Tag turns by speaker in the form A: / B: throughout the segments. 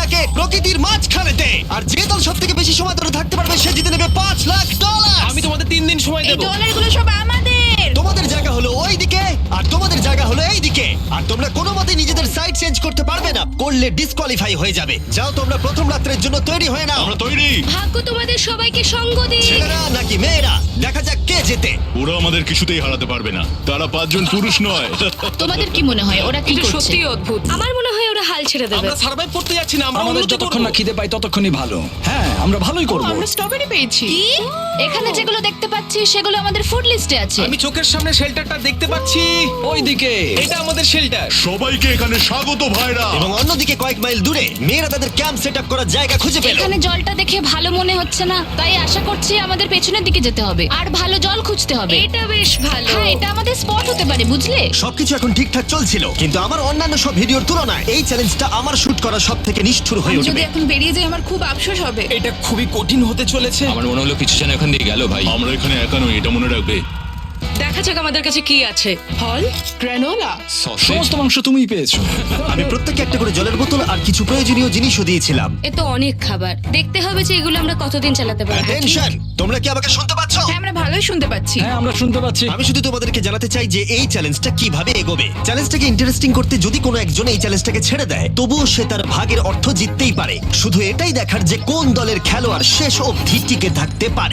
A: থাকে প্রকৃতির মাঝখানেতে, আর যে দল সব থেকে বেশি সময় ধরে থাকতে পারবে সে জিতে নেবে $5,00,000।
B: আমি তোমাদের 3 দিন সময়
C: এই
B: দেবো।
C: ডলারগুলো সব আমাদের।
A: তোমাদের জায়গা হলো ওই দিকে আর তোমাদের জায়গা হলো এই দিকে, আর তোমরা কোনো মতে নিজেদের সাইড চেঞ্জ করতে পারবে না, করলে ডিসকোয়ালিফাই হয়ে যাবে। যাও তোমরা প্রথম রাত্রের জন্য তৈরি হয়ে নাও।
D: আমরা তৈরি।
C: ভাগ্য তোমাদের সবাইকে সঙ্গ দিক।
A: ছেলেরা নাকি মেয়েরা, দেখা যাক কে জেতে।
D: ওরা আমাদের কিছুতেই হারাতে পারবে না, তারা 5 জন পুরুষ নয়।
E: তোমাদের কি মনে হয় ওরা কি
C: এটা
E: করছে?
C: সত্যি অদ্ভুত। আমার মনে হয় ওরা হাল ছেড়ে দেবে।
B: আমরা সার্ভাইভ করতে যাচ্ছি না, আমরা
F: আমাদের
B: উন্নতি
F: যতক্ষণ
B: করব।
F: না খিদে পাই ততক্ষণই ভালো। হ্যাঁ, আমরা ভালোই করব।
C: আমরা স্ট্রবেরি পেয়েছি।
E: কি? এখানে যেগুলো দেখতে পাচ্ছি সেগুলো আমাদের ফুড লিস্টে আছে।
B: আমি চোখের সামনে শেল্টারটা দেখতে পাচ্ছি।
F: ওইদিকে
B: এটা আমাদের শেল্টার।
D: সবাইকে এখানে স্বাগত ভাইরা।
A: এবং অন্যদিকে কয়েক মাইল দূরে মেয়েরা তাদের ক্যাম্প সেট আপ করার জায়গা খুঁজে পেল।
E: এখানে জলটা দেখে ভালো মনে হচ্ছে না, তাই আশা করছি আমাদের পেছনের দিকে যেতে হবে আর ভালো জল খুঁজতে হবে।
C: এটা বেশ ভালো।
E: হ্যাঁ, এটা আমাদের স্পট হতে পারে, বুঝলে?
A: সবকিছু এখন ঠিকঠাক চলছিল, কিন্তু আমার অন্যান্য সব ভিডিওর তুলনায় এই চ্যালেঞ্জটা আমার শুট করা সব থেকে নিষ্ঠুর হয়ে
C: যদি
A: উঠবে।
C: এখন বেরিয়ে যাই আমার খুব আফসোস হবে।
B: এটা খুবই কঠিন হতে চলেছে।
G: আমার মনে হলো কিছু যেন এখান দিয়ে গেল ভাই।
D: আমরা এখানে একা নই, এটা মনে রাখবে।
C: দেখা যাক আমাদের কাছে কি আছে। ফল, গ্রানোলা।
G: সসেজ।
F: সমস্ত মাংস তুমিই পেয়েছো।
A: আমি প্রত্যেককে একটা করে জলের বোতল আর কিছু প্রয়োজনীয় জিনিসও দিয়েছিলাম।
C: এ তো অনেক খাবার। দেখতে হবে যে এগুলো আমরা কতদিন চালাতে পারবো।
A: টেনশন, তোমরা কি আমাকে শুনতে পাচ্ছ?
C: হ্যাঁ, আমরা ভালোই শুনতে পাচ্ছি।
F: হ্যাঁ, আমরা শুনতে পাচ্ছি।
A: আমি শুধু তোমাদেরকে জানাতে চাই যে এই চ্যালেঞ্জটা কিভাবে এগোবে। চ্যালেঞ্জটাকে ইন্টারেস্টিং করতে যদি কোনো একজন এই চ্যালেঞ্জটাকে ছেড়ে দেয়, তবুও সে তার ভাগের অর্থ জিততেই পারে। শুধু এটাই দেখার যে কোন দলের খেলোয়াড় শেষ অবধি টিকে থাকতে পারে।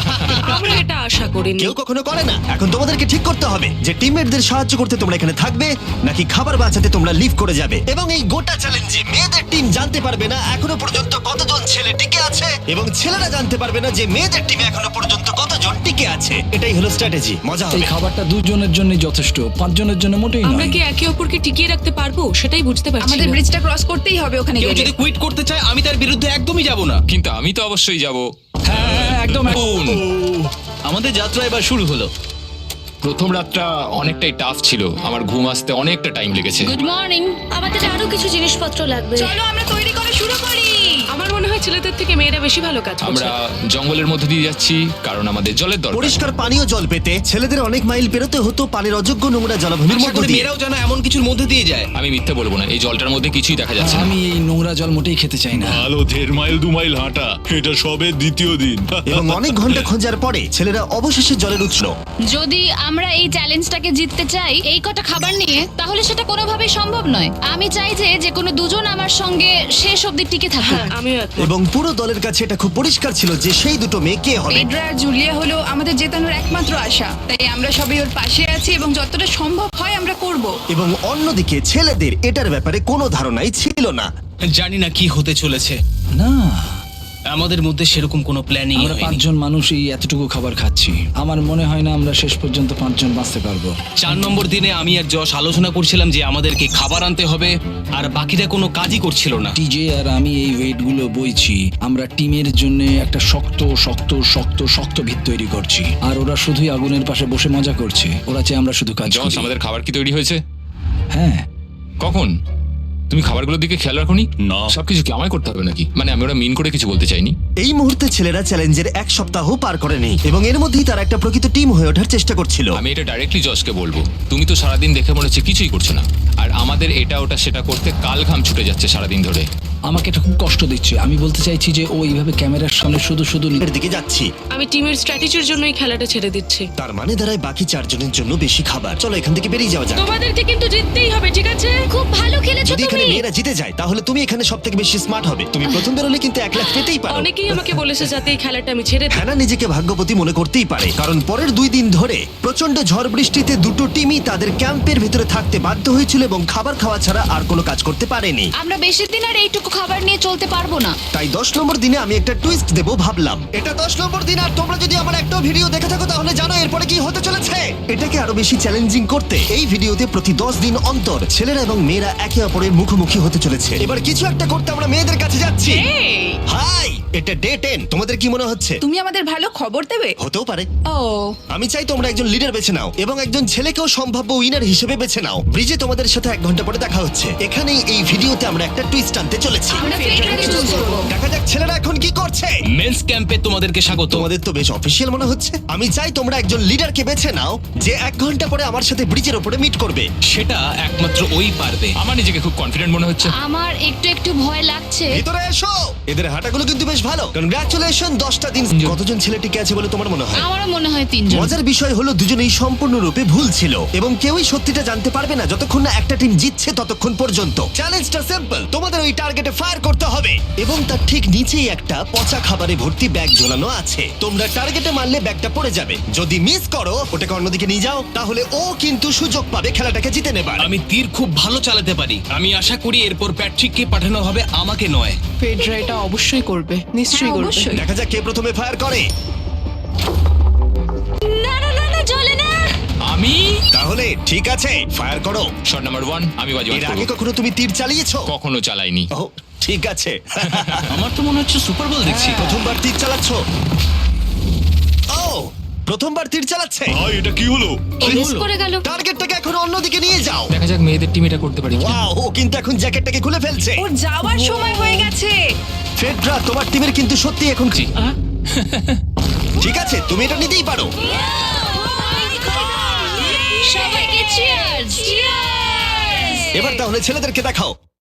C: আমরা এটা আশা করিনি।
A: কেউ কখনো করে না। এখন তোমাদেরকে ঠিক করতে হবে যে টিমমেটদের সাহায্য করতে তোমরা এখানে থাকবে নাকি খাবার বাঁচাতে তোমরা লিভ করে যাবে। এবং এই গোটা চ্যালেঞ্জে মেয়েদের টিম জানতে পারবে না এখনো পর্যন্ত কতজন ছেলে টিকে আছে, এবং ছেলেরা জানতে পারবে না যে মেয়েদের টিমে এখনো পর্যন্ত কতজন টিকে আছে। এটাই হলো স্ট্র্যাটেজি। মজা
F: এই
A: হবে।
F: খাবারটা 2 জনের জন্য যথেষ্ট, 5 জনের জন্য মোটেই
H: আমরা
F: নয়।
H: কি একে অপরকে টিকিয়ে রাখতে পারবো সেটাই বুঝতে পারছি
C: আমাদের
H: না।
C: ব্রিজটা ক্রস করতেই হবে ওখানে
B: কেউ
C: গেলে।
B: যদি কুইট করতে চায় আমি তার বিরুদ্ধে একদমই যাব না।
G: কিন্তু আমি তো অবশ্যই যাব।
F: হ্যাঁ, হ্যাঁ, একদম।
B: আমাদের যাত্রা এবার শুরু হলো।
G: প্রথম রাতটা অনেকটাই টাফ ছিল, আমার ঘুম আসতে অনেকটা টাইম লেগেছে।
E: Good morning.
C: আমাদের আরো কিছু জিনিসপত্র লাগবে। চলো আমরা তৈরি করা শুরু করি।
H: আমার মনে হয় ছেলেদের থেকে মেয়েরা বেশি ভালো কাজ করছে।
G: আমরা জঙ্গলের মধ্যে দিয়ে যাচ্ছি কারণ আমাদের জলের দরকার।
A: পরিষ্কার পানীয় জল পেতে ছেলেদের অনেক মাইল পেরোতে হতো পানির অযোগ্য নোংরা জলাভূমির
B: আশা
A: মধ্য
B: করি
A: দিয়ে।
B: মেয়েরাও যেন এমন কিছুর মধ্যে দিয়ে যায়।
G: আমি মিথ্যে বলবো না, এই জলটার মধ্যে কিছুই দেখা যাচ্ছে না।
F: আমি এই নোংরা জল মোটেই খেতে চাই না।
D: আলো 1.5 মাইল 2 মাইল হাঁটা, এটা সবে দ্বিতীয় দিন।
A: এবং অনেক ঘন্টা খোঁজার পরে ছেলেরা অবশেষে জলের উৎস।
E: যদি আমরা এই চ্যালেঞ্জটাকে জিততে চাই এই কটা খাবার নিয়ে, তাহলে সেটা কোনোভাবেই সম্ভব নয়। আমি চাই যে কোনো দুজন আমার সঙ্গে শেষ অবধি টিকে থাকুক।
H: হ্যাঁ, আমিও একমত।
A: এবং পুরো দলের কাছে এটা খুব পরিষ্কার ছিল যে সেই দুটো মেয়ে কে হবে।
C: পেড্রা আর জুলিয়া হলো আমাদের জেতানোর একমাত্র আশা। তাই আমরা সবাই ওর পাশে আছি এবং যতটা সম্ভব হয় আমরা করব।
A: এবং অন্যদিকে ছেলেদের এটার ব্যাপারে কোনো ধারণাই ছিল না।
B: জানি না কি হতে চলেছে।
F: না,
B: আমাদের মধ্যে সেরকম কোনো প্ল্যানিং
F: আমরা 5 জন মানুষ এই এতটুকু খাবার খাচ্ছি। আমার মনে হয় না আমরা শেষ পর্যন্ত 5 জন বাঁচতে পারবো।
B: 4 নম্বর দিনে আমি আর যশ আলোচনা করছিলাম যে আমাদেরকে খাবার আনতে হবে, আর বাকিরা কোনো কাজই করছিল না।
F: টিজে আর আমি এই ওয়েটগুলো বইছি। আমরা টিমের জন্য একটা শক্ত শক্ত শক্ত শক্ত ভিত তৈরি করছি, আর ওরা শুধুই আগুনের পাশে বসে মজা করছে। ওরা চাই আমরা শুধু কাজ
G: জস,
F: করি।
G: আমাদের খাবার কি তৈরি হয়েছে?
F: হ্যাঁ,
G: কখন? তুমি খাবারগুলোর দিকে খেয়াল রাখোনি?
D: না।
G: সবকিছু কি আমায় করতে হবে নাকি? মানে আমি ওরা মিন করে কিছু বলতে চাইনি।
A: এই মুহূর্তে ছেলেরা চ্যালেঞ্জের 1 সপ্তাহ পার করেনি এবং এর মধ্যেই তারা একটা প্রকৃত টিম হয়ে ওঠার চেষ্টা করছিল।
G: আমি এটা ডাইরেক্টলি জসকে বলবো। তুমি তো সারাদিন দেখে মনে হচ্ছে কিছুই করছো না, আর আমাদের এটা ওটা সেটা করতে কাল ঘাম ছুটে যাচ্ছে সারাদিন ধরে।
F: আমাকে এটা খুব কষ্ট দিচ্ছে। আমি বলতে চাইছি যে ও এইভাবে ক্যামেরার সামনে শুধু শুধু
A: এর দিকে যাচ্ছি,
H: আমি টিমের স্ট্র্যাটেজির জন্য এই খেলাটা ছেড়ে দিচ্ছি।
A: তার মানে দাঁড়ায় বাকি 4 জনের জন্য বেশি খাবার। চলো এখান থেকে বেরিয়ে যাওয়া যাক।
H: তোমাদেরকে কিন্তু জিততেই হবে, ঠিক আছে?
E: খুব ভালো খেলেছো
A: যদি এখানে
E: তুমি।
A: মেয়েরা জিতে যায় তাহলে তুমি এখানে সব থেকে বেশি স্মার্ট হবে। তুমি প্রথম বেরোলে কিন্তু 1 লাখ পেতেই পারো।
H: অনেকেই আমাকে বলেছে যাতে এই খেলাটা আমি ছেড়ে দিই।
A: হ্যানা নিজেকে ভাগ্যবতী মনে করতেই পারে, কারণ পরের 2 দিন ধরে প্রচন্ড ঝড় বৃষ্টিতে দুটো টিমই তাদের ক্যাম্পের ভিতরে থাকতে বাধ্য হয়েছিল এবং খাবার খাওয়া ছাড়া আর কোনো কাজ করতে পারেনি।
E: আমরা বেশি দিন আর এইটুকু খাবার নিয়ে চলতে পারবো না।
A: তাই 10 নম্বর দিনে আমি একটা টুইস্ট দেব ভাবলাম। এটা 10 নম্বর দিন, আর তোমরা যদি আমার একটা ভিডিও দেখে থাকো তাহলে জানো এরপরে কি হতে চলেছে। এটাকে আরো বেশি চ্যালেঞ্জিং করতে এই ভিডিওতে প্রতি 10 দিন অন্তর ছেলেরা এবং মেয়েরা একে অপরের মুখোমুখি হতে চলেছে। এবার কিছু একটা করতে আমরা মেয়েদের কাছে যাচ্ছি। হাই, এটা ডে 10। তোমাদের কি মনে হচ্ছে?
C: তুমি আমাদের ভালো খবর দেবে।
A: হতেও পারে।
C: ও
A: আমি চাই তোমরা একজন লিডার বেছে নাও এবং একজন ছেলেকেও সম্ভাব্য উইনার হিসেবে বেছে নাও। ব্রিজে তোমাদের সাথে 1 ঘন্টা পরে দেখা হচ্ছে। এখানেই এই ভিডিওতে আমরা একটা টুইস্ট আনতে চলেছি।
C: আমরা ফেডরারকে চুজ করব।
A: দেখা যাক ছেলেরা এখন কি করছে।
B: মেন্স ক্যাম্পে তোমাদেরকে স্বাগত।
A: তোমাদের তো বেশ অফিসিয়াল মনে হচ্ছে। আমি চাই তোমরা একজন লিডারকে বেছে নাও যে 1 ঘন্টা পরে আমার সাথে ব্রিজের উপরে মিট করবে।
B: সেটা একমাত্র ওই পারবে।
G: আমার নিজেকে খুব কনফিডেন্ট মনে হচ্ছে।
E: আমার একটু একটু ভয় লাগছে।
A: ভিতরে এসো। এদের হাঁটাগুলো কিন্তু বেশ ভালো। কনগ্রাচুলেশন 10টা দিন। কতজন ছেলে টিকে আছে বলে তোমার মনে হয়?
E: আমারও মনে হয় 3 জন।
A: মজার বিষয় হলো দুজনেই সম্পূর্ণরূপে ভুল ছিল এবং কেউই সত্যিটা জানতে পারবে না যতক্ষণ না একটা টিম জিতছে ততক্ষণ পর্যন্ত। চ্যালেঞ্জটা সিম্পল, তোমাদের ওই টার্গেটে ফায়ার করতে হবে এবং তার ঠিক নিচেই একটা পচা খাবারে ভর্তি ব্যাগ ঝোলানো আছে। তোমরা টার্গেটে মারলে ব্যাগটা পড়ে যাবে। যদি মিস করো ওটাকে অন্যদিকে নিয়ে যাও, তাহলে ও কিন্তু সুযোগ পাবে খেলাটাকে জিতে নেবার।
B: আমি তীর খুব ভালো চালাতে পারি। আমি আশা করি এরপর প্যাট্রিককে পাঠানো হবে, আমাকে নয়।
I: ফেডরা এটা অবশ্যই করবে, নিশ্চয়ই করবে।
C: অবশ্যই।
A: দেখা যাক কে প্রথমে ফায়ার করে।
E: না না না না চলে না।
G: আমি
A: তাহলে ঠিক আছে, ফায়ার করো।
G: শট নাম্বার 1 আমি বাজি
A: এর আগে কখনো তুমি তীর চালিয়েছো?
G: কখনো চালাইনি।
A: ও ঠিক আছে।
B: আমার তো মনে হচ্ছে সুপার বল দেখছি।
A: প্রথমবার তীর চালাচ্ছ? ও প্রথমবার তীর চালাচ্ছে।
D: ভাই এটা কি হলো?
E: মিস করে গেল।
A: টার্গেটটাকে এখন অন্যদিকে নিয়ে যাও।
G: দেখা যাক মেয়েদের টিম এটা করতে পারি কিনা।
A: ওয়াও, ও কিন্তু এখন জ্যাকেটটাকে খুলে ফেলছে।
C: ওর যাওয়ার সময় হয়ে গেছে।
A: ফেডরা তোমার টিমের কিন্তু সত্যি এখন ঠিক আছে, তুমি এটা নিতেই পারো।
E: সবাইকে চিয়ার্স চিয়ার্স।
A: এবার তাহলে ছেলেদেরকে দেখাও।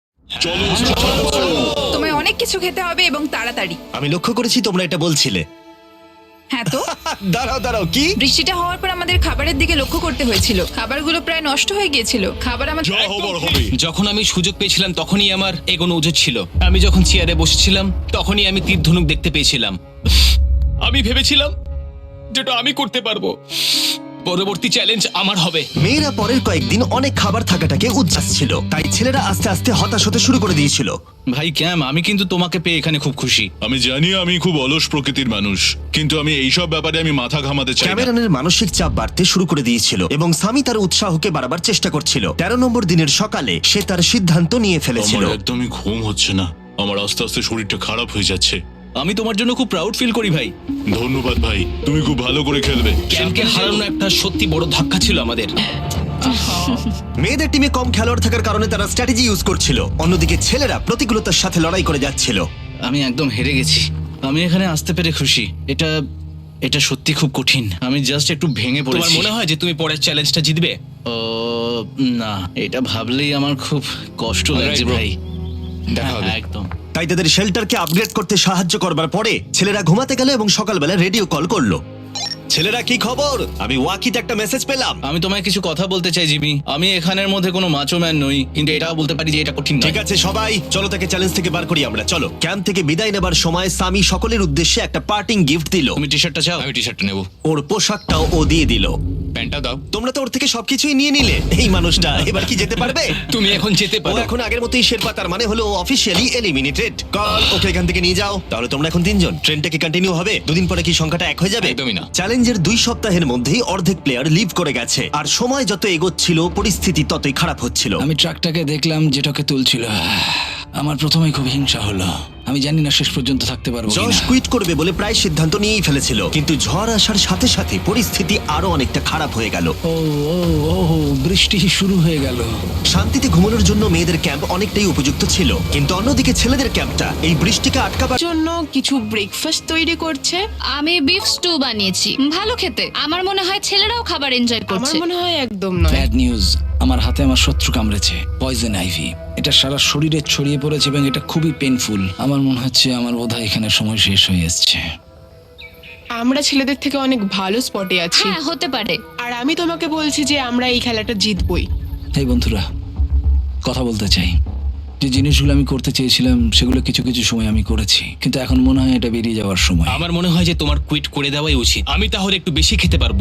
C: তোমায় অনেক কিছু খেতে হবে এবং তাড়াতাড়ি।
A: আমি লক্ষ্য করেছি তোমরা এটা বলছিলে।
C: হ্যাঁ তো
A: দাঁড়াও দাঁড়াও, কি?
C: বৃষ্টিটা হওয়ার পর আমাদের খাবারের দিকে লক্ষ্য করতে হয়েছিল। খাবারগুলো প্রায় নষ্ট হয়ে গিয়েছিল। খাবার আমাদের
D: যা হবার হবে।
B: যখন আমি সুযোগ পেয়েছিলাম তখনই আমার এগোনো উচিত ছিল। আমি যখন চেয়ারে বসেছিলাম তখনই আমি তীর ধনুক দেখতে পেয়েছিলাম। আমি ভেবেছিলাম যেটা আমি করতে পারবো। পরবর্তী চ্যালেঞ্জ আমার হবে।
A: মেয়েরা পরের কয়েকদিন অনেক খাবার থাকাটাকে উচ্ছ্বাস ছিল, তাই ছেলেরা আস্তে আস্তে হতাশ হতে শুরু করে দিয়েছিল।
B: ভাই ক্যাম, আমি কিন্তু তোমাকে পেয়ে এখানে খুব খুশি।
D: আমি জানি আমি খুব অলস প্রকৃতির মানুষ, কিন্তু আমি এইসব ব্যাপারে আমি মাথা ঘামাতে চাই না।
A: ক্যামেরনের মানসিক চাপ বাড়তে শুরু করে দিয়েছিল এবং সামি তার উৎসাহকে বাড়াবার চেষ্টা করছিল। 13 নম্বর দিনের সকালে সে তার সিদ্ধান্ত নিয়ে ফেলেছিল।
D: আমার একদমই ঘুম হচ্ছে না। আমার আস্তে আস্তে শরীরটা খারাপ হয়ে যাচ্ছে।
B: আমি তোমার জন্য খুব প্রাউড ফিল করি ভাই।
D: ধন্যবাদ ভাই, তুমি খুব ভালো করে খেলবে।
B: ক্যামকে হারানো একটা সত্যি বড় ধাক্কা ছিল আমাদের।
A: মেয়েদের টিমে কম খেলোয়াড় থাকার কারণে তারা স্ট্র্যাটেজি ইউজ করছিল, অন্যদিকে ছেলেরা প্রতিকূলতার সাথে লড়াই করে যাচ্ছিল।
B: আমি একদম হেরে গেছি। আমি এখানে আসতে পেরে খুশি। এটা সত্যি খুব কঠিন। আমি জাস্ট একটু ভেঙে পড়েছি। তোমার মনে হয় যে তুমি পরের চ্যালেঞ্জটা জিতবে? ও না, এটা ভাবলেই আমার খুব কষ্ট লাগছে
G: bro.
B: ভাই।
G: দেখা হবে।
B: হ্যাঁ, একদম।
A: তাই তাদের শেল্টারকে আপগ্রেড করতে সাহায্য করবার পরে ছেলেরা ঘুমাতে গেল এবং সকালবেলা রেডিও কল করলো। ছেলেরা কি খবর? আমি ওয়াকিতে একটা মেসেজ পেলাম।
B: আমি তোমায় কিছু কথা বলতে চাই জিমি। আমি এখানের মধ্যে কোনো মাচো ম্যান নই, কিন্তু এটাও বলতে পারি যে এটা কঠিন নয়।
A: ঠিক আছে সবাই, চলো তাকে চ্যালেঞ্জ থেকে বার করি আমরা। চলো। ক্যাম্প থেকে বিদায় নেবার সময় সামি সকলের উদ্দেশ্যে একটা পার্টিং গিফট দিল।
B: তুমি টি শার্টটা চাও?
G: আমি টি শার্টটা নেবো।
A: ওর পোশাকটাও ও দিয়ে দিল।
G: প্যান্টটা দাও।
A: তোমরা তো ওর থেকে সবকিছুই নিয়ে নিলে। এই মানুষটা এবার কি যেতে পারবে?
B: তুমি এখন যেতে
A: ও
B: পারো।
A: এখন আগের মতোই শেরপা, তার মানে হলো অফিসিয়ালি এলিমিনেটেড। কল ওকে এখান থেকে নিয়ে যাও। তাহলে তোমরা এখন 3 জন। ট্রেনটা কি কন্টিনিউ হবে? দুদিন পরে কি সংখ্যাটা 1 হয়ে যাবে?
G: একদমই না।
A: চ্যালেঞ্জের 2 সপ্তাহের মধ্যেই অর্ধেক প্লেয়ার লিভ করে গেছে আর সময় যত এগোচ্ছিল পরিস্থিতি ততই খারাপ হচ্ছিল।
F: আমি ট্রাকটাকে দেখলাম যেটাকে তুলছিল। আমার প্রথমেই খুব হিংসা হলো। আমি জানি না শেষ পর্যন্ত থাকতে পারবো
A: জশ
F: কিনা।
A: কুইট করবে বলে প্রায় সিদ্ধান্ত নিয়েই ফেলেছিল, কিন্তু ঝড় আসার সাথে সাথে পরিস্থিতি আরো অনেকটা খারাপ হয়ে গেল।
F: ও ও ও বৃষ্টি শুরু হয়ে গেল।
A: শান্তিতে ঘুমানোর জন্য মেয়েদের ক্যাম্প অনেকটাই উপযুক্ত ছিল, কিন্তু অন্যদিকে ছেলেদের ক্যাম্পটা এই বৃষ্টিকে আটকাবার
I: জন্য কিছু ব্রেকফাস্ট তৈরি করছে।
E: আমি বিফ স্টু বানিয়েছি, ভালো খেতে। আমার মনে হয় ছেলেরাও খাবার এনজয়
I: আমার
E: করছে।
I: মনে হয় একদম নয়।
F: ব্যাড নিউজ, আমার হাতে আমার শত্রু কামড়েছে, পয়জন আইভি। এটা সারা শরীরে ছড়িয়ে পড়েছে এবং এটা খুবই পেইনফুল। আমার মনে হচ্ছে আমার বোধহয় এখানে সময় শেষ হয়ে এসেছে।
I: আমরা ছেলেদের থেকে অনেক ভালো স্পটে আছি,
E: হ্যাঁ হতে পারে।
I: আর আমি তোমাকে বলছি যে আমরা এই খেলাটা জিতবই।
F: এই বন্ধুরা, কথা বলতে চাই। যে জিনিসগুলো আমি করতে চেয়েছিলাম সেগুলো কিছু কিছু সময় আমি করেছি, কিন্তু এখন মনে হয় এটা বেরিয়ে যাওয়ার সময়।
B: আমার মনে হয় যে তোমার কুইট করে দেওয়াই উচিত। আমি তাহলে একটু বেশি খেতে পারবো।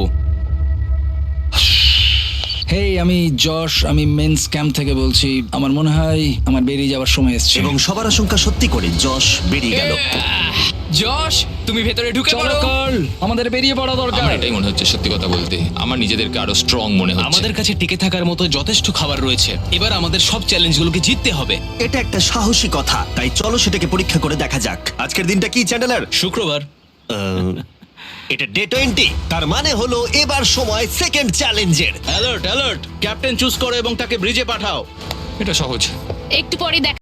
F: হেই, আমি যশ, আমি মেন্স ক্যাম্প থেকে বলছি। আমার মনে হয় আমার বেরিয়ে যাওয়ার সময় এসেছে।
A: এবং সবার আশঙ্কা সত্যি করে যশ বেরিয়ে গেল।
B: যশ
G: তুমি ভেতরে ঢুকে
F: চলো
G: পড়ো
F: কার্ল, আমাদের বেরিয়ে পড়া দরকার।
G: আমার এটাই মনে হচ্ছে, সত্যি কথা বলতে আমার নিজেদেরকে আরো স্ট্রং মনে হচ্ছে।
B: আমাদের কাছে টিকে থাকার মতো যথেষ্ট খাবার রয়েছে। এবার আমাদের সব চ্যালেঞ্জগুলোকে জিততে হবে।
A: এটা একটা সাহসী কথা, তাই চলো সেটাকে পরীক্ষা করে দেখা যাক। আজকের দিনটা কি চ্যান্ডেলার?
B: শুক্রবার।
A: এটা ডে 20, তার মানে হলো এবার সময় সেকেন্ড চ্যালেঞ্জের।
B: অ্যালার্ট অ্যালার্ট, ক্যাপ্টেন চুজ করো এবং তাকে ব্রিজে পাঠাও।
G: এটা সহজ।
E: একটু পরে দেখ